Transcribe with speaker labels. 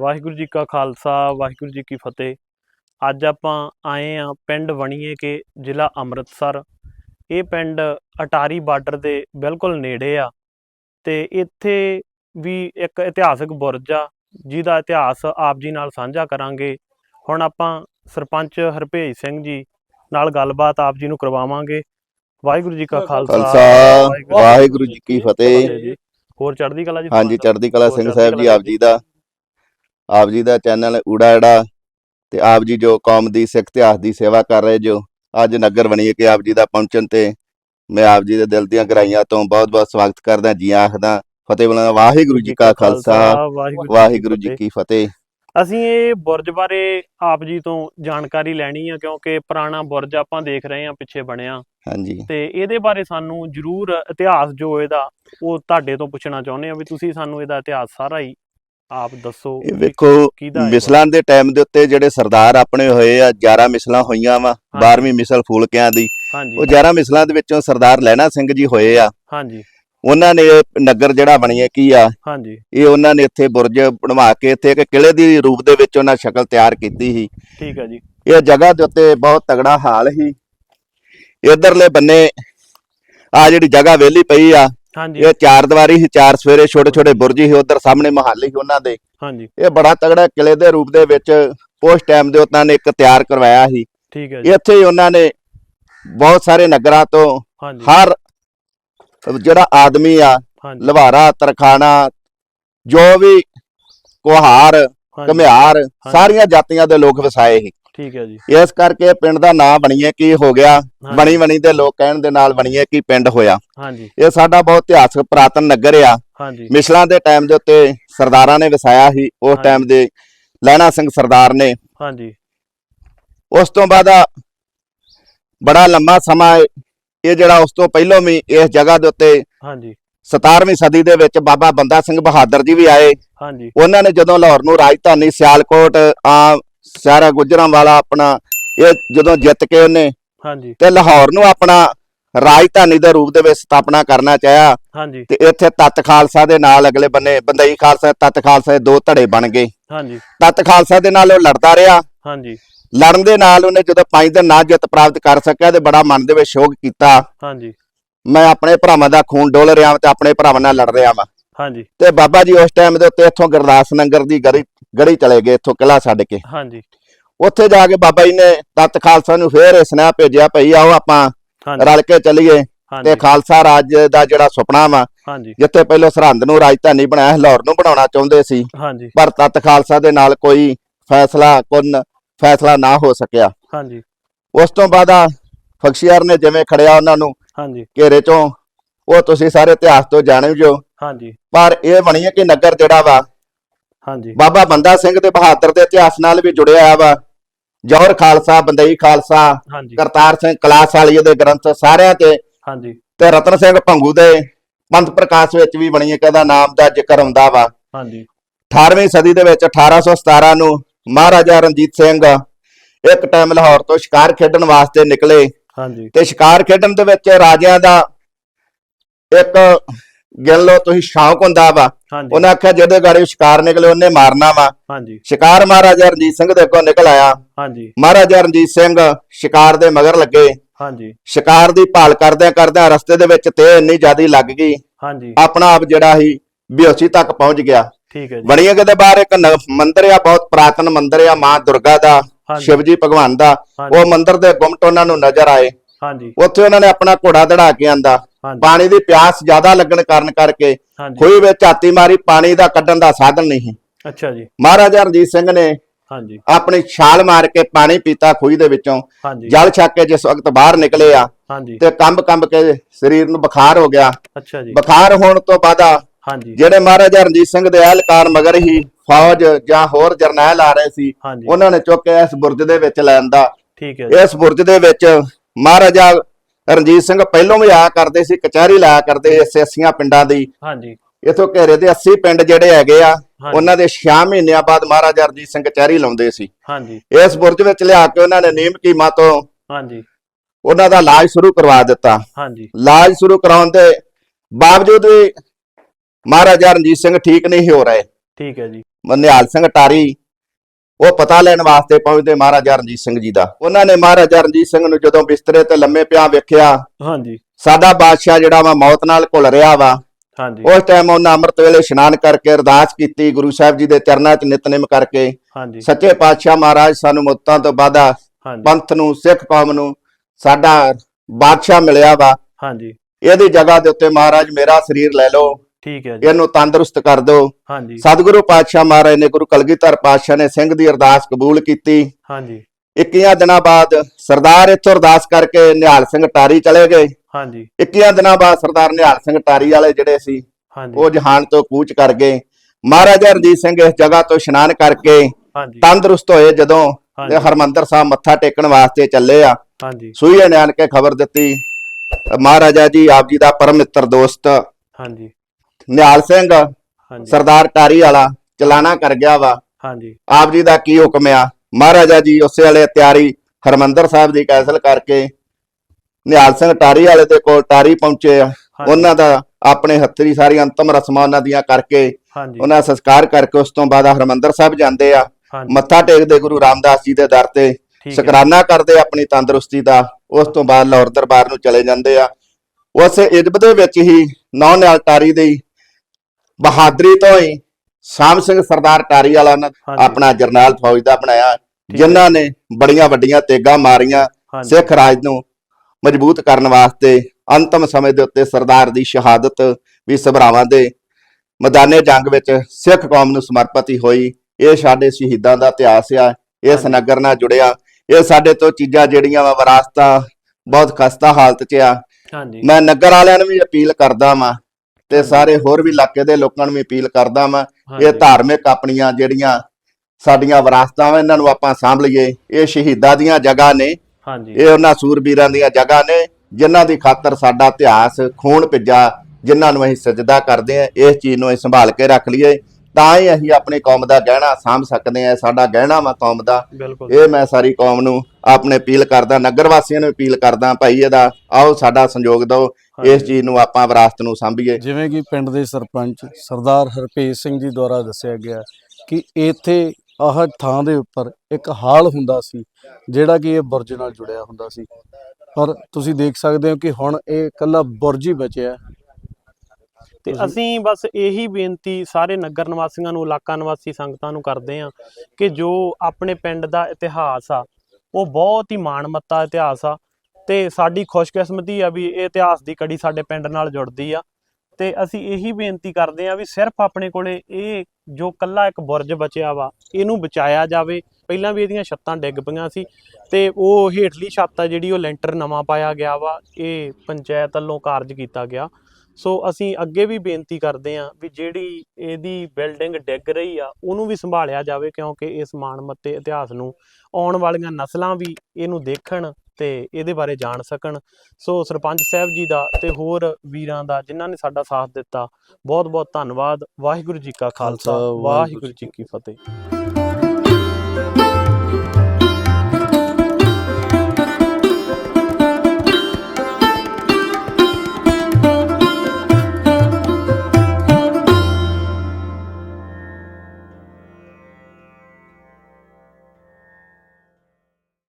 Speaker 1: ਵਾਹਿਗੁਰੂ ਜੀ ਕਾ ਖਾਲਸਾ ਵਾਹਿਗੁਰੂ ਜੀ ਕੀ ਫਤਿਹ। ਅੱਜ ਆਪਾਂ ਆਏ ਆ ਪਿੰਡ ਵਣੀਏ ਕੇ, ਜ਼ਿਲ੍ਹਾ ਅੰਮ੍ਰਿਤਸਰ। ਇਹ ਪਿੰਡ ਅਟਾਰੀ ਬਾਰਡਰ ਦੇ ਬਿਲਕੁਲ ਨੇੜੇ ਆ ਤੇ ਇੱਥੇ ਵੀ ਇੱਕ ਇਤਿਹਾਸਕ ਬੁਰਜ ਆ ਜਿਹਦਾ ਇਤਿਹਾਸ ਆਪ ਜੀ ਨਾਲ ਸਾਂਝਾ ਕਰਾਂਗੇ। ਹੁਣ ਆਪਾਂ ਸਰਪੰਚ ਹਰਭੇਜ ਸਿੰਘ ਜੀ ਨਾਲ ਗੱਲਬਾਤ ਆਪ ਜੀ ਨੂੰ ਕਰਵਾਵਾਂਗੇ। ਵਾਹਿਗੁਰੂ ਜੀ ਕਾ
Speaker 2: ਖਾਲਸਾ ਵਾਹਿਗੁਰੂ ਜੀ ਕੀ ਫਤਿਹ।
Speaker 1: ਹੋਰ ਚੜ੍ਹਦੀ ਕਲਾ ਜੀ।
Speaker 2: ਹਾਂਜੀ, ਚੜ੍ਹਦੀ ਕਲਾ ਸਿੰਘ ਸਾਹਿਬ ਜੀ। ਆਪ ਜੀ ਦਾ ਚੈਨਲ ਊੜਾ ਐੜਾ ਤੇ ਆਪ ਜੀ ਜੋ ਕੌਮ ਦੀ ਸਿੱਖ ਇਤਿਹਾਸ ਦੀ ਸੇਵਾ ਕਰ ਰਹੇ ਜੋ ਅੱਜ ਨਗਰ ਵਣੀਏ ਕੇ ਆਪ ਜੀ ਦਾ ਪਹੁੰਚਣ ਤੇ ਮੈਂ ਆਪ ਜੀ ਦੇ ਦਿਲ ਦੀਆਂ ਗਹਿਰਾਈਆਂ ਤੋਂ ਬਹੁਤ ਬਹੁਤ ਸਵਾਗਤ ਕਰਦਾ, ਜੀ ਆਖਦਾ, ਫਤਿਹ ਬੁਲਾਉਂਦਾ। ਵਾਹਿਗੁਰੂ ਜੀ ਕਾ ਖਾਲਸਾ ਵਾਹਿਗੁਰੂ ਜੀ ਕੀ ਫਤਿਹ।
Speaker 1: ਅਸੀਂ ਇਹ ਬੁਰਜ ਬਾਰੇ ਆਪ ਜੀ ਤੋਂ ਜਾਣਕਾਰੀ ਲੈਣੀ ਆ ਕਿਉਂਕਿ ਪੁਰਾਣਾ ਬੁਰਜ ਆਪਾਂ ਦੇਖ ਰਹੇ ਆ ਪਿੱਛੇ ਬਣਿਆ।
Speaker 2: ਹਾਂਜੀ,
Speaker 1: ਤੇ ਇਹਦੇ ਬਾਰੇ ਸਾਨੂੰ ਜ਼ਰੂਰ ਇਤਿਹਾਸ ਜੋ ਇਹਦਾ ਉਹ ਤੁਹਾਡੇ ਤੋਂ ਪੁੱਛਣਾ ਚਾਹੁੰਦੇ ਆ ਵੀ ਤੁਸੀਂ ਸਾਨੂੰ ਇਹਦਾ ਇਤਿਹਾਸ ਸਾਰਾ ਹੀ ਆਪ ਦੱਸੋ।
Speaker 2: ਇਹ ਵੇਖੋ, ਮਿਸਲਾਂ ਦੇ ਟਾਈਮ ਦੇ ਉੱਤੇ ਜਿਹੜੇ ਸਰਦਾਰ ਆਪਣੇ ਹੋਏ ਆ, 11 ਮਿਸਲਾਂ ਹੋਈਆਂ ਵਾ। 12ਵੀਂ ਮਿਸਲ ਫੂਲਕਿਆਂ ਦੀ, ਉਹ 11 ਮਿਸਲਾਂ ਦੇ ਵਿੱਚੋਂ ਸਰਦਾਰ ਲਹਿਣਾ ਸਿੰਘ ਜੀ ਹੋਏ ਆ।
Speaker 1: ਹਾਂਜੀ,
Speaker 2: ਉਹਨਾਂ ਨੇ ਨਗਰ ਜਿਹੜਾ ਬਣਿਆ ਕੀ ਆ,
Speaker 1: ਹਾਂਜੀ, ਇਹ
Speaker 2: ਉਹਨਾਂ ਨੇ ਇੱਥੇ ਬੁਰਜ ਬਣਵਾ ਕੇ ਇੱਥੇ ਇੱਕ ਕਿਲੇ ਦੀ ਰੂਪ ਦੇ ਵਿੱਚ ਉਹਨਾਂ ਸ਼ਕਲ ਤਿਆਰ ਕੀਤੀ ਸੀ।
Speaker 1: ਠੀਕ ਹੈ ਜੀ।
Speaker 2: ਇਹ ਜਗ੍ਹਾ ਦੇ ਉੱਤੇ ਬਹੁਤ ਤਗੜਾ ਹਾਲ ਸੀ। ਇਧਰਲੇ ਬੰਨੇ ਆ ਜਿਹੜੀ ਜਗ੍ਹਾ ਵਿਹਲੀ ਪਈ ਆ, ਇਹ 4 ਦੀਵਾਰੀ ਸੀ, 4 ਸਵੇਰੇ ਛੋਟੇ ਛੋਟੇ ਬੁਰਜ ਸੀ। ਉਧਰ ਸਾਹਮਣੇ ਮਹਾਲੀ ਸੀ ਉਹਨਾਂ ਦੇ। ਹਾਂਜੀ, ਇਹ ਬੜਾ ਤਗੜਾ ਕਿਲੇ ਦੇ ਰੂਪ ਦੇ ਵਿੱਚ ਉਸ ਟਾਈਮ ਦੇ ਉਹਨਾਂ ਨੇ ਇੱਕ ਤਿਆਰ ਕਰਵਾਇਆ ਸੀ। ਠੀਕ ਹੈ ਜੀ। ਇੱਥੇ ਹੀ ਉਹਨਾਂ ਨੇ ਬਹੁਤ ਸਾਰੇ ਨਗਰਾਂ ਤੋਂ ਹਰ ਜਿਹੜਾ ਆਦਮੀ ਆ, ਲਵਾਰਾ, ਤਰਖਾਣਾ, ਜੋ ਵੀ ਕੁਹਾਰ, ਘੁਮਿਆਰ, ਸਾਰੀਆਂ ਜਾਤੀਆਂ ਦੇ ਲੋਕ ਵਸਾਏ ਸੀ। ਠੀਕ ਹੈ ਜੀ। ਇਸ ਕਰਕੇ ਪਿੰਡ ਦਾ ਨਾਂ ਵਣੀਏ ਕੀ ਹੋ ਗਿਆ। ਬਣੀ ਦੇ ਲੋਕ ਕਹਿਣ ਦੇ ਨਾਲ ਵਣੀਏ ਕੀ ਪਿੰਡ ਹੋਇਆ। ਹਾਂਜੀ, ਇਹ ਸਾਡਾ ਬਹੁਤ ਇਤਿਹਾਸਕ ਪੁਰਾਤਨ ਨਗਰ ਆ। ਹਾਂਜੀ, ਮਿਸਲਾਂ ਦੇ ਟਾਈਮ ਦੇ ਉੱਤੇ ਸਰਦਾਰਾਂ ਨੇ ਵਸਾਇਆ ਸੀ, ਉਸ ਟਾਈਮ ਦੇ ਲਹਿਣਾ ਸਿੰਘ ਸਰਦਾਰ ਨੇ। ਹਾਂਜੀ, ਉਸ ਤੋਂ ਬਾਅਦ ਬੜਾ ਲੰਮਾ ਸਮਾਂ ਇਹ ਜਿਹੜਾ ਉਸ ਤੋਂ ਪਹਿਲਾਂ ਵੀ ਇਸ ਜਗ੍ਹਾ ਦੇ ਉੱਤੇ 17ਵੀਂ ਸਦੀ ਦੇ ਵਿੱਚ ਬਾਬਾ ਬੰਦਾ ਸਿੰਘ ਬਹਾਦਰ ਜੀ ਵੀ ਆਏ। ਹਾਂਜੀ, ਉਹਨਾਂ ਨੇ ਜਦੋਂ ਲਾਹੌਰ ਨੂੰ ਰਾਜਧਾਨੀ ਸਿਆਲਕੋਟ ਸਾਰਾ ਗੁਜਰਾਂਵਾਲਾ ਆਪਣਾ ਇਹ ਜਦੋਂ ਜਿੱਤ ਕੇ ਉਹਨੇ ਤੇ ਲਾਹੌਰ ਨੂੰ ਆਪਣਾ ਰਾਜਧਾਨੀ ਦੇ ਰੂਪ ਦੇ ਵਿੱਚ ਸਥਾਪਨਾ ਕਰਨਾ ਚਾਹਿਆ। ਹਾਂਜੀ, ਤੇ ਇੱਥੇ ਤੱਤ ਖਾਲਸਾ ਦੇ ਨਾਲ ਅਗਲੇ ਬੰਨੇ ਬੰਦਈ ਖਾਲਸਾ, ਤੱਤ ਖਾਲਸਾ ਦੇ 2 ਧੜੇ ਬਣ ਗਏ। ਹਾਂਜੀ, ਤੱਤ ਖਾਲਸਾ ਦੇ ਨਾਲ ਉਹ ਲੜਦਾ ਰਿਹਾ। ਹਾਂਜੀ, ਲੜਨ ਦੇ ਨਾਲ ਉਹਨੇ ਜਦੋਂ 5 ਦਿਨ ਨਾ ਜਿੱਤ ਪ੍ਰਾਪਤ ਕਰ ਸਕਿਆ ਤੇ ਬੜਾ ਮਨ ਦੇ ਵਿੱਚ ਸ਼ੋਕ ਕੀਤਾ। ਹਾਂਜੀ, ਮੈਂ ਆਪਣੇ ਭਰਾਵਾਂ ਦਾ ਖੂਨ ਡੋਲ ਰਿਹਾ ਤੇ ਆਪਣੇ ਭਰਾਵਾਂ ਨਾਲ ਲੜ ਰਿਹਾ ਵਾਂ। ਹਾਂਜੀ, ਤੇ ਬਾਬਾ ਜੀ ਉਸ ਟਾਈਮ ਦੇ ਉੱਤੇ ਇੱਥੋਂ ਗੁਰਦਾਸ ਨਗਰ ਦੀ ਗੜੀ ਚਲੇ ਗਏ, ਇੱਥੋਂ ਕਿਲਾ ਛੱਡ ਕੇ। ਹਾਂਜੀ, ਉੱਥੇ ਜਾ ਕੇ ਬਾਬਾ ਜੀ ਨੇ ਤੱਤ ਖਾਲਸਾ ਨੂੰ ਫੇਰ ਸੁਨੇਹਾ ਭੇਜਿਆ, ਭਈ ਆਓ ਆਪਾਂ ਰਲ ਕੇ ਚੱਲੀਏ ਤੇ ਖਾਲਸਾ ਰਾਜ ਦਾ ਜਿਹੜਾ ਸੁਪਨਾ ਵਾ, ਜਿੱਥੇ ਪਹਿਲਾਂ ਸਰਹੰਦ ਨੂੰ ਰਾਜਧਾਨੀ ਬਣਾਇਆ, ਲਾਹੌਰ ਨੂੰ ਬਣਾਉਣਾ ਚਾਹੁੰਦੇ ਸੀ, ਪਰ ਤੱਤ ਖਾਲਸਾ ਦੇ ਨਾਲ ਕੋਈ ਫੈਸਲਾ ਨਾ ਹੋ ਸਕਿਆ। ਹਾਂਜੀ, ਉਸ ਤੋਂ ਬਾਅਦ ਬਖਸ਼ੀਆਰ ਨੇ ਜਿਵੇਂ ਖੜਿਆ ਉਹਨਾਂ ਨੂੰ ਘੇਰੇ ਚੋਂ, ਉਹ ਤੁਸੀਂ ਸਾਰੇ ਇਤਿਹਾਸ ਤੋਂ ਜਾਣੋ ਜੋ। ਹਾਂਜੀ, ਪਰ ਇਹ ਬਣੀਏ ਕਿ ਨਗਰ ਜਿਹੜਾ ਵਾ ਬਾਬਾ ਬੰਦਾ ਸਿੰਘ ਤੇ ਬਹਾਦਰ ਦੇ ਇਤਿਹਾਸ ਨਾਲ ਵੀ ਜੁੜਿਆ ਵਾ। ਜੌਹਰ ਖਾਲਸਾ, ਬੰਦਈ ਖਾਲਸਾ, ਕਰਤਾਰ ਸਿੰਘ ਕਲਾਸ ਵਾਲੀ ਦੇ ਗ੍ਰੰਥ ਸਾਰਿਆਂ ਤੇ ਰਤਨ ਸਿੰਘ ਭੰਗੂ ਦੇ ਪੰਥ ਪ੍ਰਕਾਸ਼ ਵਿੱਚ ਵੀ ਬਣੀਏ ਦਾ ਨਾਮ ਦਾ ਜ਼ਿਕਰ ਹੁੰਦਾ ਵਾ। 18ਵੀਂ ਸਦੀ ਦੇ ਵਿੱਚ 1817 ਨੂੰ ਮਹਾਰਾਜਾ ਰਣਜੀਤ ਸਿੰਘ ਇੱਕ ਟਾਈਮ ਲਾਹੌਰ ਤੋਂ ਸ਼ਿਕਾਰ ਖੇਡਣ ਵਾਸਤੇ ਨਿਕਲੇ। ਤੇ ਸ਼ਿਕਾਰ ਖੇਡਣ ਦੇ ਵਿੱਚ ਰਾਜਿਆਂ ਦਾ ਇੱਕ ਗਿਣ ਲਓ ਤੁਸੀਂ ਸ਼ੌਕ ਹੁੰਦਾ ਵਾ। ਉਹਨੇ ਆਖਿਆ ਜਿਹਦੇ ਗਾੜੀ ਸ਼ਿਕਾਰ ਨਿਕਲੇ ਉਹਨੇ ਮਾਰਨਾ ਵਾ। ਸ਼ਿਕਾਰ ਮਹਾਰਾਜਾ ਰਣਜੀਤ ਸਿੰਘ ਦੇ ਕੋਲ ਨਿਕਲ ਆਇਆ। ਮਹਾਰਾਜਾ ਰਣਜੀਤ ਸਿੰਘ ਸ਼ਿਕਾਰ ਦੇ ਮਗਰ ਲੱਗੇ। ਸ਼ਿਕਾਰ ਦੀ ਭਾਲ ਕਰਦਿਆਂ ਰਸਤੇ ਦੇ ਵਿੱਚ ਤੇ ਇੰਨੀ ਜ਼ਿਆਦਾ ਲੱਗ ਗਈ, ਆਪਣਾ ਆਪ ਜਿਹੜਾ ਸੀ ਬੇਹੋਸ਼ੀ ਤੱਕ ਪਹੁੰਚ ਗਿਆ। ਬਣੀਏ ਦੇ ਬਾਹਰ ਇੱਕ ਮੰਦਿਰ ਆ, ਬਹੁਤ ਪੁਰਾਤਨ ਮੰਦਿਰ ਆ, ਮਾਂ ਦੁਰਗਾ ਦਾ, ਸ਼ਿਵਜੀ ਭਗਵਾਨ ਦਾ। ਉਹ ਮੰਦਿਰ ਦੇ ਗੁੰਮਟ ਉਹਨਾਂ ਨੂੰ ਨਜ਼ਰ ਆਏ। ਉੱਥੇ ਉਹਨਾਂ ਨੇ ਆਪਣਾ ਘੋੜਾ ਦੜਾ ਕੇ ਆਂਦਾ। ਪਾਣੀ ਦੀ ਪਿਆਸ ਜ਼ਿਆਦਾ ਲੱਗਣ ਕਾਰਨ ਕਰਕੇ ਖੂਹ ਵਿੱਚ ਝਾਤੀ ਮਾਰੀ, ਪਾਣੀ ਦਾ ਕੱਢਣ ਦਾ ਸਾਧਨ ਨਹੀਂ। ਅੱਛਾ ਜੀ। ਮਹਾਰਾਜਾ ਰਣਜੀਤ ਸਿੰਘ ਨੇ ਆਪਣੀ ਛਾਲ ਮਾਰ ਕੇ ਪਾਣੀ ਪੀਤਾ ਖੂਹ ਦੇ ਵਿੱਚੋਂ। ਜਲ ਛੱਕ ਕੇ ਜਿਸ ਵਕਤ ਬਾਹਰ ਨਿਕਲੇ ਆ ਤੇ ਕੰਬ ਕੇ ਸਰੀਰ ਨੂੰ ਬੁਖਾਰ ਹੋ ਗਿਆ। ਅੱਛਾ ਜੀ। ਬੁਖਾਰ ਹੋਣ ਤੋਂ ਬਾਅਦ ਜਿਹੜੇ ਮਹਾਰਾਜਾ ਰਣਜੀਤ ਸਿੰਘ ਦੇ ਅਹਿਲਕਾਰ ਮਗਰ ਹੀ ਫੌਜ ਜਾਂ ਹੋਰ ਜਰਨੈਲ ਆ ਰਹੇ ਸੀ, ਉਹਨਾਂ ਨੇ ਚੁੱਕ ਕੇ ਇਸ ਬੁਰਜ ਦੇ ਵਿੱਚ ਲੈਂਦਾ। ਠੀਕ ਹੈ। ਇਸ ਬੁਰਜ ਦੇ ਵਿੱਚ ਮਹਾਰਾਜਾ ਰਣਜੀਤ ਸਿੰਘ ਪਹਿਲੋਂ ਵੀ ਆਇਆ ਕਰਦੇ ਸੀ, ਕਚਹਿਰੀ ਲਾਇਆ ਕਰਦੇ 80 ਪਿੰਡਾਂ ਦੀ। ਹਾਂਜੀ, ਇਥੋਂ ਘੇਰੇ ਦੇ 80 ਪਿੰਡ ਜਿਹੜੇ ਹੈਗੇ ਆ, ਉਹਨਾਂ ਦੇ 6 ਮਹੀਨਿਆਂ ਬਾਅਦ ਮਹਾਰਾਜਾ ਰਣਜੀਤ ਸਿੰਘ ਕਚਹਿਰੀ ਲਾਉਂਦੇ ਸੀ। ਹਾਂਜੀ, ਇਸ ਬੁਰਜ ਵਿੱਚ ਲਿਆ ਕੇ ਉਹਨਾਂ ਨੇ ਨੀਮ ਕੀਮਾ ਤੋਂ ਉਹਨਾਂ ਦਾ ਇਲਾਜ ਸ਼ੁਰੂ ਕਰਵਾ ਦਿੱਤਾ। ਹਾਂਜੀ, ਇਲਾਜ ਸ਼ੁਰੂ ਕਰਾਉਣ ਦੇ ਬਾਵਜੂਦ ਵੀ ਮਹਾਰਾਜਾ ਰਣਜੀਤ ਸਿੰਘ ਠੀਕ ਨਹੀਂ ਹੋ ਰਹੇ। ਠੀਕ ਹੈ ਜੀ। ਨਿਹਾਲ ਸਿੰਘ ਅਟਾਰੀ ਉਹ ਪਤਾ ਲੈਣ ਵਾਸਤੇ ਪਹੁੰਚਦੇ ਮਹਾਰਾਜਾ ਰਣਜੀਤ ਸਿੰਘ ਜੀ ਦਾ। ਉਹਨਾਂ ਨੇ ਮਹਾਰਾਜਾ ਰਣਜੀਤ ਸਿੰਘ ਨੂੰ ਜਦੋਂ ਬਿਸਤਰੇ ਤੇ ਲੰਮੇ ਪਿਆ ਵੇਖਿਆ,
Speaker 1: ਹਾਂਜੀ,
Speaker 2: ਸਾਡਾ ਬਾਦਸ਼ਾਹ ਜਿਹੜਾ ਵਾ ਮੌਤ ਨਾਲ ਘੁਲ ਰਿਹਾ ਵਾ,
Speaker 1: ਹਾਂਜੀ,
Speaker 2: ਉਸ ਟਾਈਮ ਉਹਨਾਂ ਅੰਮ੍ਰਿਤ ਵੇਲੇ ਇਸ਼ਨਾਨ ਕਰਕੇ ਅਰਦਾਸ ਕੀਤੀ, ਗੁਰੂ ਸਾਹਿਬ ਜੀ ਦੇ ਚਰਨਾਂ 'ਚ ਨਿਤਨੇਮ ਕਰਕੇ,
Speaker 1: ਹਾਂਜੀ,
Speaker 2: ਸੱਚੇ ਪਾਤਸ਼ਾਹ ਮਹਾਰਾਜ ਸਾਨੂੰ ਮੌਤਾਂ ਤੋਂ ਬਾਅਦ
Speaker 1: ਹਾਂਜੀ,
Speaker 2: ਪੰਥ ਨੂੰ, ਸਿੱਖ ਕੌਮ ਨੂੰ ਸਾਡਾ ਬਾਦਸ਼ਾਹ ਮਿਲਿਆ ਵਾ,
Speaker 1: ਹਾਂਜੀ,
Speaker 2: ਇਹਦੀ ਜਗ੍ਹਾ ਦੇ ਉੱਤੇ ਮਹਾਰਾਜ ਮੇਰਾ ਸਰੀਰ ਲੈ ਲਓ,
Speaker 1: ਠੀਕ ਹੈ ਜੀ,
Speaker 2: ਇਹਨੂੰ ਤੰਦਰੁਸਤ ਕਰ ਦਿਓ।
Speaker 1: ਹਾਂਜੀ,
Speaker 2: ਸਤਿਗੁਰੂ ਪਾਤਸ਼ਾਹ ਮਹਾਰਾਜ ਨੇ, ਗੁਰੂ ਕਲਗੀਧਰ ਪਾਤਸ਼ਾਹ ਨੇ ਸਿੰਘ ਦੀ ਅਰਦਾਸ ਕਬੂਲ ਕੀਤੀ।
Speaker 1: ਹਾਂਜੀ,
Speaker 2: 21 ਦਿਨਾਂ ਬਾਅਦ ਸਰਦਾਰ ਇੱਥੋਂ ਅਰਦਾਸ ਕਰਕੇ ਨਿਹਾਲ ਸਿੰਘ ਅਟਾਰੀ ਚਲੇ ਗਏ।
Speaker 1: ਹਾਂਜੀ,
Speaker 2: 21 ਦਿਨਾਂ ਬਾਅਦ ਸਰਦਾਰ ਨਿਹਾਲ ਸਿੰਘ ਅਟਾਰੀ ਵਾਲੇ ਜਿਹੜੇ ਸੀ
Speaker 1: ਹਾਂਜੀ,
Speaker 2: ਉਹ ਜਹਾਨ ਤੋਂ ਕੂਚ ਕਰ ਗਏ। ਮਹਾਰਾਜਾ ਰਣਜੀਤ ਸਿੰਘ ਇਸ ਜਗ੍ਹਾ ਤੋਂ ਇਸ਼ਨਾਨ ਕਰਕੇ
Speaker 1: ਹਾਂਜੀ,
Speaker 2: ਤੰਦਰੁਸਤ ਹੋਏ ਜਦੋਂ
Speaker 1: ਹਾਂਜੀ,
Speaker 2: ਹਰਮੰਦਰ ਸਾਹਿਬ ਮੱਥਾ ਟੇਕਣ ਵਾਸਤੇ ਚੱਲੇ ਆ,
Speaker 1: ਹਾਂਜੀ,
Speaker 2: ਸੂਈਏ ਨੇ ਆਣ ਕੇ ਖਬਰ ਦਿੱਤੀ, ਮਹਾਰਾਜਾ ਜੀ ਆਪ ਜੀ ਦਾ ਪਰਮ ਮਿੱਤਰ ਦੋਸਤ
Speaker 1: ਹਾਂਜੀ,
Speaker 2: ਨਿਹਾਲ ਸਿੰਘ
Speaker 1: ਹਾਂਜੀ,
Speaker 2: ਸਰਦਾਰ ਅਟਾਰੀ ਵਾਲਾ ਚਲਾਣਾ ਕਰ ਗਿਆ ਵਾ,
Speaker 1: ਹਾਂਜੀ,
Speaker 2: ਆਪ ਜੀ ਦਾ ਕੀ ਹੁਕਮ ਆ। ਮਹਾਰਾਜਾ ਜੀ ਉਸੇ ਵੇਲੇ ਤਿਆਰੀ ਹਰਮੰਦਰ ਸਾਹਿਬ ਦੀ ਕੈਂਸਲ ਕਰਕੇ ਨਿਹਾਲ ਸਿੰਘ ਅਟਾਰੀ ਵਾਲੇ ਦੇ ਕੋਲ ਅਟਾਰੀ ਪਹੁੰਚੇ ਆ।
Speaker 1: ਹਾਂਜੀ,
Speaker 2: ਉਹਨਾਂ ਦਾ ਆਪਣੇ ਹੱਥੀਂ ਸਾਰੀ ਅੰਤਮ ਰਸਮਾਂ ਉਹਨਾਂ ਦੀਆਂ ਕਰਕੇ
Speaker 1: ਹਾਂਜੀ,
Speaker 2: ਉਹਨਾਂ ਦਾ ਸੰਸਕਾਰ ਕਰਕੇ ਉਸ ਤੋਂ ਬਾਅਦ ਹਰਮੰਦਰ ਸਾਹਿਬ ਜਾਂਦੇ ਆ,
Speaker 1: ਹਾਂਜੀ,
Speaker 2: ਮੱਥਾ ਟੇਕਦੇ ਗੁਰੂ ਰਾਮਦਾਸ ਜੀ ਦੇ ਦਰ ਤੇ,
Speaker 1: ਠੀਕ ਹੈ,
Speaker 2: ਸ਼ੁਕਰਾਨਾ ਕਰਦੇ ਆਪਣੀ ਤੰਦਰੁਸਤੀ ਦਾ। ਉਸ ਤੋਂ ਬਾਅਦ ਲਾਹੌਰ ਦਰਬਾਰ ਨੂੰ ਚਲੇ ਜਾਂਦੇ ਆ। ਉਸੇ ਇਜਬ ਦੇ ਵਿੱਚ ਹੀ ਨੌ ਨਿਹਾਲ ਅਟਾਰੀ ਦੀ ਬਹਾਦਰੀ ਤੋਂ ਹੀ ਸ਼ਾਮ ਸਿੰਘ ਸਰਦਾਰ ਅਟਾਰੀ ਵਾਲਾ ਨੇ
Speaker 1: ਹਾਂਜੀ,
Speaker 2: ਆਪਣਾ ਜਰਨੈਲ ਫੌਜ ਦਾ ਬਣਾਇਆ,
Speaker 1: ਹੈ।
Speaker 2: ਜਿਨ੍ਹਾਂ ਨੇ ਬੜੀਆਂ ਵੱਡੀਆਂ ਤੇਗਾਂ ਮਾਰੀਆਂ
Speaker 1: ਹਾਂਜੀ,
Speaker 2: ਸਿੱਖ ਰਾਜ ਨੂੰ ਮਜ਼ਬੂਤ ਕਰਨ ਵਾਸਤੇ। ਅੰਤਮ ਸਮੇਂ ਦੇ ਉੱਤੇ ਸਰਦਾਰ ਦੀ ਸ਼ਹਾਦਤ ਵੀ ਸਭਰਾਵਾਂ ਦੇ ਮੈਦਾਨੇ ਜੰਗ ਵਿੱਚ ਸਿੱਖ ਕੌਮ ਨੂੰ ਸਮਰਪਿਤ ਹੀ ਹੋਈ। ਇਹ ਸਾਡੇ ਸ਼ਹੀਦਾਂ ਦਾ ਇਤਿਹਾਸ ਆ, ਇਸ
Speaker 1: ਹਾਂਜੀ,
Speaker 2: ਨਗਰ ਨਾਲ ਜੁੜਿਆ। ਇਹ ਸਾਡੇ ਤੋਂ ਚੀਜ਼ਾਂ ਜਿਹੜੀਆਂ ਵਾ ਵਿਰਾਸਤਾਂ ਬਹੁਤ ਖਸਤਾ ਹਾਲਤ 'ਚ ਆ।
Speaker 1: ਹਾਂਜੀ,
Speaker 2: ਮੈਂ ਨਗਰ ਵਾਲਿਆਂ ਨੂੰ ਵੀ ਅਪੀਲ ਕਰਦਾ ਵਾਂ ਤੇ
Speaker 1: ਹਾਂਜੀ,
Speaker 2: ਸਾਰੇ ਹੋਰ ਵੀ ਇਲਾਕੇ ਦੇ ਲੋਕਾਂ ਨੂੰ ਵੀ ਅਪੀਲ ਕਰਦਾ ਵਾਂ, ਇਹ
Speaker 1: ਹਾਂਜੀ,
Speaker 2: ਧਾਰਮਿਕ ਆਪਣੀਆਂ ਜਿਹੜੀਆਂ ਸਾਡੀਆਂ ਵਿਰਾਸਤਾਂ ਵਾ ਇਹਨਾਂ ਨੂੰ ਆਪਾਂ ਸਾਂਭ ਲਈਏ। ਇਹ ਸ਼ਹੀਦਾਂ ਦੀਆਂ ਜਗ੍ਹਾ ਨੇ,
Speaker 1: ਹਾਂਜੀ,
Speaker 2: ਇਹ ਉਹਨਾਂ ਸੂਰਬੀਰਾਂ ਦੀਆਂ ਜਗ੍ਹਾ ਨੇ ਜਿਨ੍ਹਾਂ ਦੀ ਖਾਤਰ ਸਾਡਾ ਇਤਿਹਾਸ ਖੂਨ ਭਿੱਜਾ, ਜਿਨ੍ਹਾਂ ਨੂੰ ਅਸੀਂ ਸਜਦਾ ਕਰਦੇ ਆ। ਇਸ ਚੀਜ਼ ਨੂੰ ਅਸੀਂ ਸੰਭਾਲ ਕੇ ਰੱਖ ਲਈਏ ਤਾਂ ਹੀ ਅਸੀਂ ਆਪਣੀ ਕੌਮ ਦਾ ਗਹਿਣਾ ਸਾਂਭ ਸਕਦੇ ਆ। ਸਾਡਾ ਗਹਿਣਾ ਵਾ ਕੌਮ ਦਾ।
Speaker 1: ਬਿਲਕੁਲ,
Speaker 2: ਇਹ ਮੈਂ ਸਾਰੀ ਕੌਮ ਨੂੰ ਆਪਣੇ ਅਪੀਲ ਕਰਦਾ, ਨਗਰ ਵਾਸੀਆਂ ਨੂੰ ਅਪੀਲ ਕਰਦਾ, ਭਾਈ ਇਹਦਾ ਆਓ ਸਾਡਾ ਸਹਿਯੋਗ ਦਿਓ, ਇਸ
Speaker 1: ਹਾਂਜੀ,
Speaker 2: ਚੀਜ਼ ਨੂੰ ਆਪਾਂ ਵਿਰਾਸਤ ਨੂੰ ਸਾਂਭੀਏ।
Speaker 3: ਜਿਵੇਂ ਕਿ ਪਿੰਡ ਦੇ ਸਰਪੰਚ ਸਰਦਾਰ ਹਰਪੇਸ਼ ਸਿੰਘ ਜੀ ਦੁਆਰਾ ਦੱਸਿਆ ਗਿਆ ਕਿ ਇੱਥੇ ਆਹ ਥਾਂ ਦੇ ਉੱਪਰ ਇੱਕ ਹਾਲ ਹੁੰਦਾ ਸੀ ਜਿਹੜਾ ਕਿ ਇਹ ਬੁਰਜ ਨਾਲ ਜੁੜਿਆ ਹੁੰਦਾ ਸੀ, ਪਰ ਤੁਸੀਂ ਦੇਖ ਸਕਦੇ ਹੋ ਕਿ ਹੁਣ ਇਹ ਇਕੱਲਾ ਬੁਰਜ ਹੀ ਬਚਿਆ।
Speaker 1: ਤੇ ਅਸੀਂ ਬਸ ਇਹੀ ਬੇਨਤੀ ਸਾਰੇ ਨਗਰ ਨਿਵਾਸੀਆਂ ਨੂੰ, ਇਲਾਕਾ ਨਿਵਾਸੀ ਸੰਗਤਾਂ ਨੂੰ ਕਰਦੇ ਹਾਂ ਕਿ ਜੋ ਆਪਣੇ ਪਿੰਡ ਦਾ ਇਤਿਹਾਸ ਆ ਉਹ ਬਹੁਤ ਹੀ ਮਾਣਮੱਤਾ ਇਤਿਹਾਸ ਆ, ਤੇ ਸਾਡੀ ਖੁਸ਼ਕਿਸਮਤੀ ਆ ਵੀ ਇਹ ਇਤਿਹਾਸ ਦੀ ਕੜੀ ਸਾਡੇ ਪਿੰਡ ਨਾਲ ਜੁੜਦੀ ਆ। ਤੇ ਅਸੀਂ ਇਹੀ ਬੇਨਤੀ ਕਰਦੇ ਆ ਵੀ ਸਿਰਫ ਆਪਣੇ ਕੋਲੇ ਇਹ ਜੋ ਕੱਲਾ ਇੱਕ ਬੁਰਜ ਬਚਿਆ ਵਾ ਇਹਨੂੰ ਬਚਾਇਆ ਜਾਵੇ। ਪਹਿਲਾਂ ਵੀ ਇਹਦੀਆਂ ਛੱਤਾਂ ਡਿੱਗ ਪਈਆਂ ਸੀ ਤੇ ਉਹ ਹੇਠਲੀ ਛੱਤ ਆ ਜਿਹੜੀ ਉਹ ਲੈਂਟਰ ਨਵਾਂ ਪਾਇਆ ਗਿਆ ਵਾ, ਇਹ ਪੰਚਾਇਤ ਵੱਲੋਂ ਕਾਰਜ ਕੀਤਾ ਗਿਆ। ਸੋ ਅਸੀਂ ਅੱਗੇ ਵੀ ਬੇਨਤੀ ਕਰਦੇ ਹਾਂ ਵੀ ਜਿਹੜੀ ਇਹਦੀ ਬਿਲਡਿੰਗ ਡਿੱਗ ਰਹੀ ਆ ਉਹਨੂੰ ਵੀ ਸੰਭਾਲਿਆ ਜਾਵੇ, ਕਿਉਂਕਿ ਇਸ ਮਾਣਮੱਤੇ ਇਤਿਹਾਸ ਨੂੰ ਆਉਣ ਵਾਲੀਆਂ ਨਸਲਾਂ ਵੀ ਇਹਨੂੰ ਦੇਖਣ ਤੇ ਇਹਦੇ ਬਾਰੇ ਜਾਣ ਸਕਣ। ਸੋ ਸਰਪੰਚ ਸਾਹਿਬ ਜੀ ਦਾ ਤੇ ਹੋਰ ਵੀਰਾਂ ਦਾ ਜਿਨ੍ਹਾਂ ਨੇ ਸਾਡਾ ਸਾਥ ਦਿੱਤਾ, ਬਹੁਤ ਬਹੁਤ ਧੰਨਵਾਦ। ਵਾਹਿਗੁਰੂ ਜੀ ਕਾ ਖਾਲਸਾ, ਵਾਹਿਗੁਰੂ ਜੀ ਕੀ ਫਤਿਹ।